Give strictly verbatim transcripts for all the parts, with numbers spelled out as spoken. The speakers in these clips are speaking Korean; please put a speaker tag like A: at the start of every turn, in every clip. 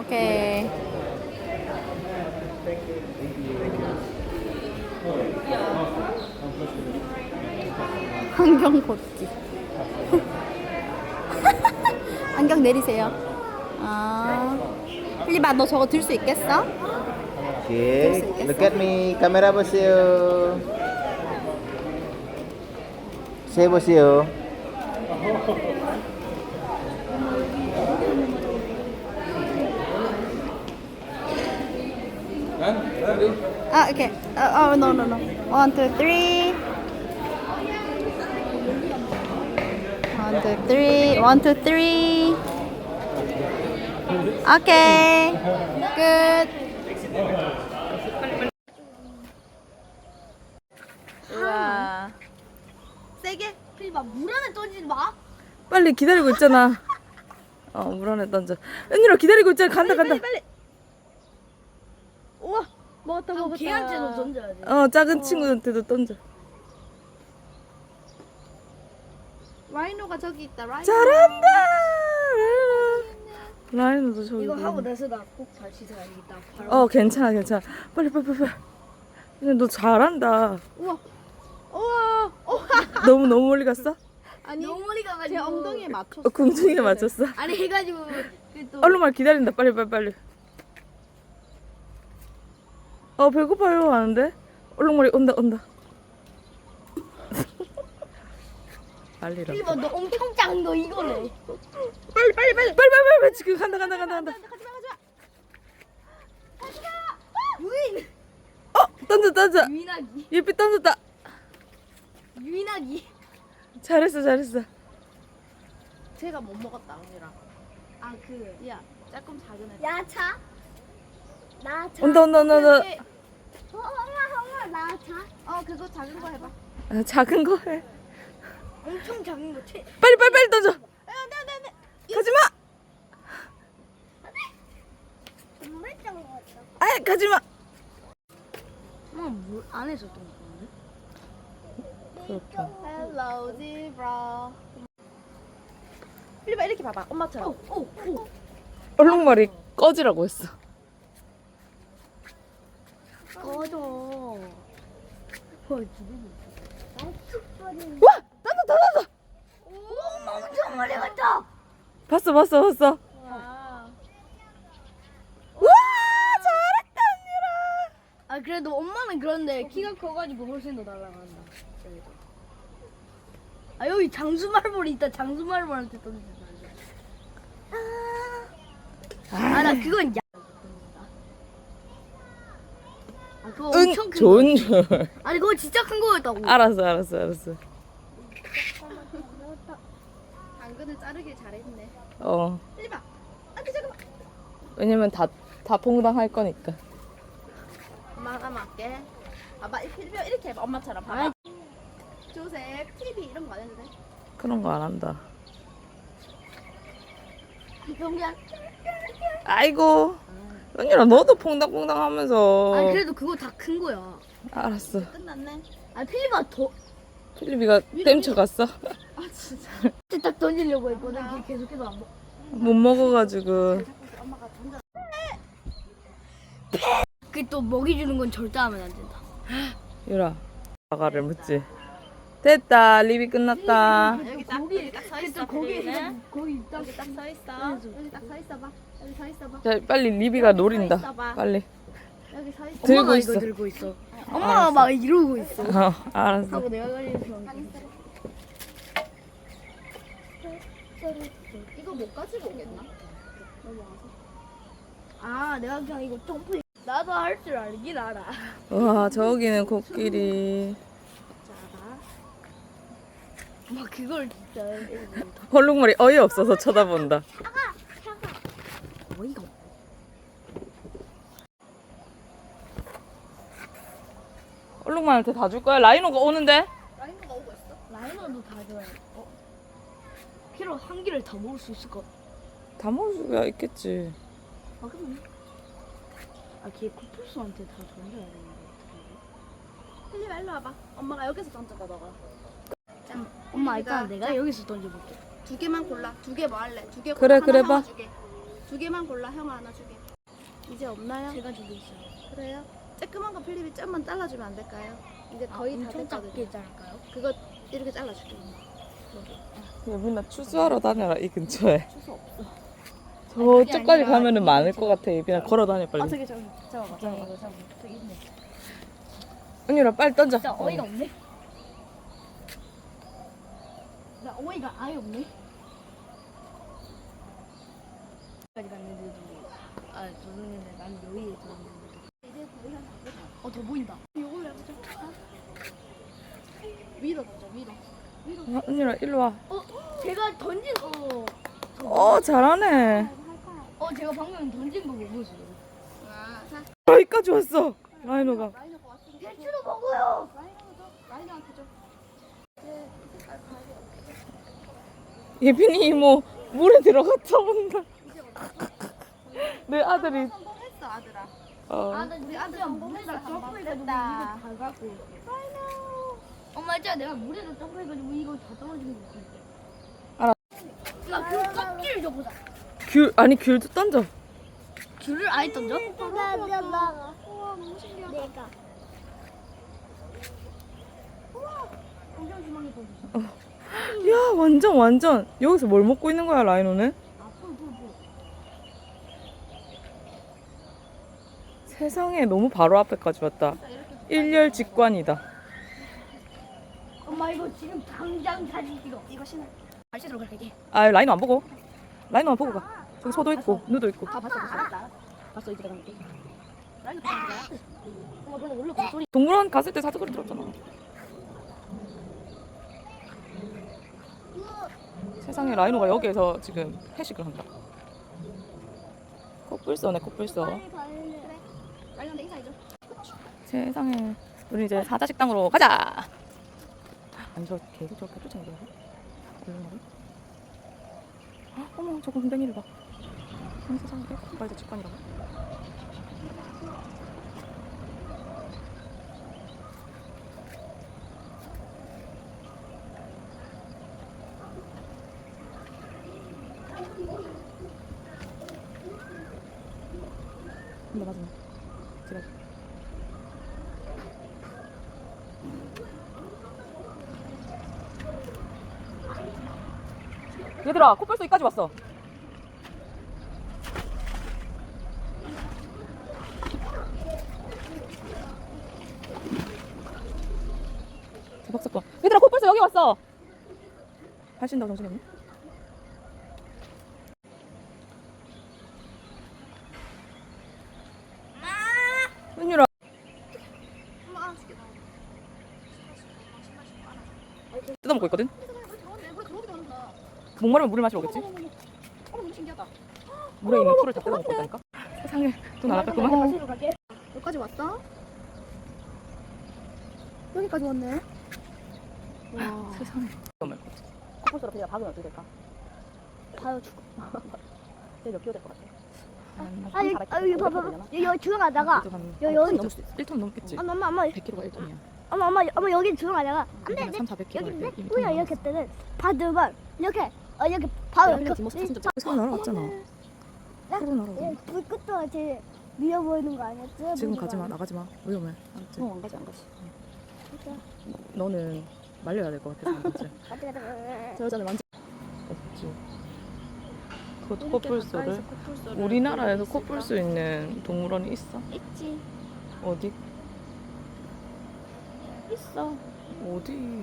A: 오케이. 안경 벗기. 안경 내리세요. 아, 필리바 너 저거 들 수 있겠어?
B: 오케이. Look at me. 카메라 보세요. 세 보세요.
A: 아, 오케이. 어, 어, no, no, no. One, two, three. One, two, three. One, two, three. 오케이. 끝. 우와.
C: 세게? 필리바 물 안에 던지지 마.
D: 빨리 기다리고 있잖아. 어, 물 안에 던져. 은유라 기다리고 있잖아. 간다, 간다.
C: 빨리 빨리.
A: 우와. 먹었다, 먹었다.
C: 걔한테도 던져야 돼.
D: 어, 작은 친구한테도 던져.
A: 라이노가 저기 있다. 라이노.
D: 잘한다. 라이노. 라이노도 저기.
C: 이거
D: 있네.
C: 하고 나서 나 꼭 다시 사야겠다. 바로.
D: 어, 괜찮아, 괜찮아. 빨리, 빨리, 빨리. 빨리. 근데 너 잘한다.
A: 우와. 우와. 우와.
D: 너무 너무 멀리 갔어?
A: 아니,
C: 너무 멀리
A: 제
C: 가가지고.
A: 엉덩이에 맞췄어.
D: 어, 궁중에 맞췄어.
C: 아니 해가지고 그 또.
D: 얼른 말 기다린다. 빨리, 빨리, 빨리. 어, 배고파요 하는데. 얼룩말이 온다, 온다. 빨리라.
C: 필리바 너 엄청 작은 거 이거네.
D: 빨리, 빨리, 빨리, 빨리, 빨리, 빨리. 지금 간다, 간다, 간다, 간다.
C: 가지마 가지마. 유인.
D: 어, 던져, 던져.
C: 유인하기.
D: 예삐 던졌다.
C: 유인하기.
D: 잘했어, 잘했어.
A: 제가 못 먹었다, 언니랑.
C: 아 그.
A: 야, 조금 작은 애.
C: 야차. 나차.
D: 온다, 온다, 온다, 온다.
C: 어 엄마 엄마 나차.
A: 어, 그거 작은 거 해봐.
D: 아, 작은 거 해.
C: 엄청 작은 거 채.
D: 빨리, 빨리, 빨리 던져.
A: 안 돼, 안 돼, 안 돼.
D: 가지 마.
C: 정말 작은 거 같다.
D: 아, 가지 마.
C: 엄마 물 안에서 던 건데?
D: 그렇게.
A: Hello, zebra. 필리바 이렇게 봐봐. 엄마처럼.
C: 오 오.
D: 얼룩말이 꺼지라고 했어.
C: 꺼져. 헐 지금.
D: 와, 던져, 던져.
C: 오 엄청 멀리 갔다.
D: 봤어, 봤어, 봤어.
A: 와.
D: 와, 잘했다, 언니라.
C: 아 그래도 엄마는 그런데 키가 커가지고 훨씬 더 날아간다. 여기도. 아 여기 장수말벌이 있다. 장수말벌한테 던진다. 아나 그건 야. 아 그거
D: 은,
C: 엄청 큰 거.
D: 좋은 줄.
C: 아니 그거 진짜 큰 거였다고.
D: 알았어, 알았어, 알았어.
A: 당근을 자르길 잘했네.
D: 어,
A: 필리바. 아, 그 잠깐만.
D: 왜냐면 다, 다 퐁당할 거니까.
A: 엄마 하나만 할게. 봐봐, 이 필리바 이렇게 해봐. 엄마처럼 봐봐.
C: 아이.
A: 조셉, 티비 이런 거 안 해도 돼?
D: 그런 거 안 한다.
C: 그냥.
D: 아이고. 언니라 너도 퐁당퐁당 하면서.
C: 아 그래도 그거 다 큰 거야.
D: 알았어.
A: 끝났네.
C: 아 필리바 더.
D: 필리비가 땜쳐 갔어.
A: 아, 진짜.
C: 딱 던지려고 했거든. 걔 계속해서 안 먹.
D: 못 먹어가지고.
A: 엄마가 던져.
C: 그또 먹이 주는 건 절대 하면 안 된다.
D: 유라. 아가를 묻지. 됐다. 리비 끝났다.
A: 여기 딱, 여기 딱 서 있어.
C: 거기
A: 필리비는.
C: 거기 딱.
A: 여기 딱 서 있어. 여기 딱 서 있어봐. 여기 서 있어봐.
D: 자, 빨리 리비가 노린다. 빨리.
A: 여기 서 있어.
D: 들고
C: 엄마가
D: 있어.
C: 이거 들고 있어. 엄마가 막 이러고 있어.
D: 어, 알았어.
C: 하고 내가 가리는
A: 이거 못 가지고 오겠나?
C: 아 내가 그냥 이거 점프. 나도 할 줄 알긴 알아.
D: 와, 저기는 코끼리.
C: 막 그걸 진짜.
D: 헐룩말이 어이없어서 쳐다본다.
C: 어이가 없.
D: 헐룩말한테 다 줄 거야? 라이노가 오는데?
A: 라이노가 오고 있어?
C: 라이너도 다 줘야 돼. 어? 키로 한 개를 다 먹을 수 있을 것.
D: 다 먹을 수가 있겠지.
C: 아 그러네. 아걔 쿠플스한테 다 던져야 되는데 어떡해.
A: 필리바 일로 와봐. 엄마가 여기서 던져봐 너가. 자,
C: 엄마
A: 필리비가
C: 일단 내가 여기서 던져볼게.
A: 두 개만 골라. 두 개 뭐 할래? 두 개
D: 그래,
A: 골라.
D: 그래
A: 하나
D: 봐.
A: 사와주게. 두 개만 골라. 형아 하나 주게. 이제 없나요?
C: 제가 주고 있어요.
A: 그래요? 쬐끄만 거 필립이 좀만 잘라주면 안 될까요? 이제 거의 다
C: 엄청
A: 됐거든요.
C: 작게 자를까요?
A: 그거 이렇게 잘라줄게.
D: 예빈아 추수하러 다녀라 이 근처에.
A: 추수 없어.
D: 저쪽까지
C: 아니라
D: 가면은
C: 이거
D: 많을
C: 저거.
D: 것 같아. 예빈아 걸어 다녀 빨리.
A: 아 저기 저기 잡아봐.
C: 저기 이거 참 저기 있네.
D: 은유라 빨리 던져.
C: 진짜 어이가 없네. 나 어이가 아예 없네. 까지 갔는데도 아 조선인데 난 여기에 들었는데.
A: 이제 거의 한 다 됐다.
C: 어더 보인다.
A: 이걸로 해보자. 위로 보자 위로.
D: 아, 은유라 일로 와.
C: 어 제가 던진 어.
D: 어 잘하네.
C: 어 제가 방금 던진 거 보고 있어요.
A: 아, 자.
D: 여기까지 왔어. 라이노가.
A: 라이너가 왔으니까.
C: 배추도 먹어요.
A: 라이너가 줘. 라이너한테 줘. 이제 색깔 가야
D: 예빈이 이모 물에 들어갔다 온다. 내 아들이.
A: 성공했어 아들아.
D: 어.
C: 아, 나 우리 아들 물에다 점프해가지고 이거 다 갖고 있어. 엄마 있잖아 내가 물에다 점프해가지고 이거 다 떨어지는 거 있어.
D: 알아.
C: 나그 껍질 좀 보자.
D: 귤 아니 귤도 던져.
C: 귤을 아예 던져?
A: 우와 너무 신기하다.
C: 내가. 우와, 엄청 심하게 던졌어.
D: 야 완전 완전 여기서 뭘 먹고 있는 거야 라이노는?
C: 아, 풀, 풀, 풀.
D: 세상에 너무 바로 앞에까지 왔다. 일렬 직관이다.
C: 엄마 이거 지금 당장 사진 찍어. 이거 신어. 발 씻으러 갈게.
D: 아 라이노 안 보고. 라이노만 보고 가. 저기 소도 있고 누도 있고.
C: 아, 봤어, 봤어. 봤어, 이제 내가 갈게. 라이브 가는 거야? 엄마 근데 원래 그 소리.
D: 동물원 갔을 때 사투리 들었잖아. 세상에 라이노가 여기에서 지금 회식을 한다. 코뿔소네 코뿔소.
A: 라이너한테 인사해줘.
D: 세상에 우리 이제 사자 식당으로 가자. 아니 저 계속 저렇게 쫓아내려 얼른 어머 저 공댕이를 봐. 어머 세상에 빨리 직관이라고. 근데 맞아 제가 얘들아 코뿔소 여기까지 왔어. 대박 사건. 얘들아 코뿔소 여기 왔어. 발신다고 정신없네. 은유라 뜯어먹고 있거든. 목마르면 물을 마시러 오겠지.
A: 어머 너무 신기하다.
D: 물에 있는 풀을 다 뜯어먹고 있다니까. 세상에 또 날아갔구만.
C: 마시러 갈게.
A: 여기까지 왔어? 여기까지 왔네. 와.
D: 세상에.
A: 코뿔소로 그냥 박으면 어떻게 될까?
C: 봐요, 죽어.
A: 쟤 몇 킬로 될 것 같아?
C: 아, 여기, 아, 여기 봐봐. 여기, 여기 들어가다가. 여- 여기
D: 넘을 수 있어. 일 톤 넘겠지.
C: 엄마, 엄마, 엄마,
D: 백 킬로가 일 톤이야.
C: 엄마, 엄마, 엄마, 여기 들어가다가. 안 돼, 안 돼.
D: 삼, 사백 킬로
C: 여기
D: 할
C: 있는데?
D: 때
C: 우리가 이렇게 때는 받으면 이렇게, 어, 이렇게 바로
A: 그냥
C: 이렇게.
A: 뒷모습 사진 좀
D: 서로 날아왔잖아. 서로 날아오잖아.
C: 예, 불끝도 제일 미워 보이는 거 아니었지?
D: 지금
C: 물이
D: 가지마
C: 많아.
D: 나가지마 위험해. 알았지?
A: 어, 안 가지 안 가지.
D: 너는 말려야 될 것 같아. 알았지?
C: 가자, 가자, 가자.
A: 저 여자는 완전
D: 없지. 그 코뿔소를 우리나라에서 코뿔소 있는 동물원이 있어?
A: 있지.
D: 어디?
A: 있어.
D: 어디?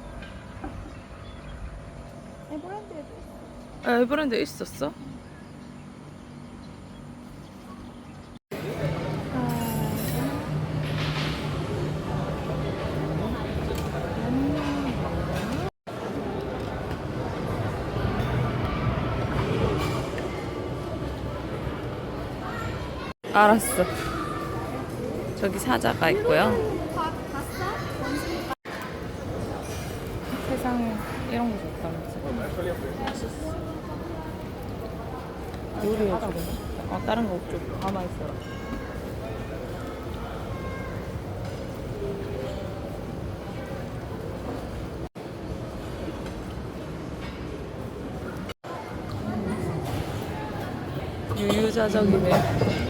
A: 에버랜드에도 있어.
D: 에버랜드에 있었어? 알았어. 저기 사자가 있고요. 세상에 이런 거 좋다. 요리해주고. 어, 다른 거 좀 가만히 있어라. 부자적이네.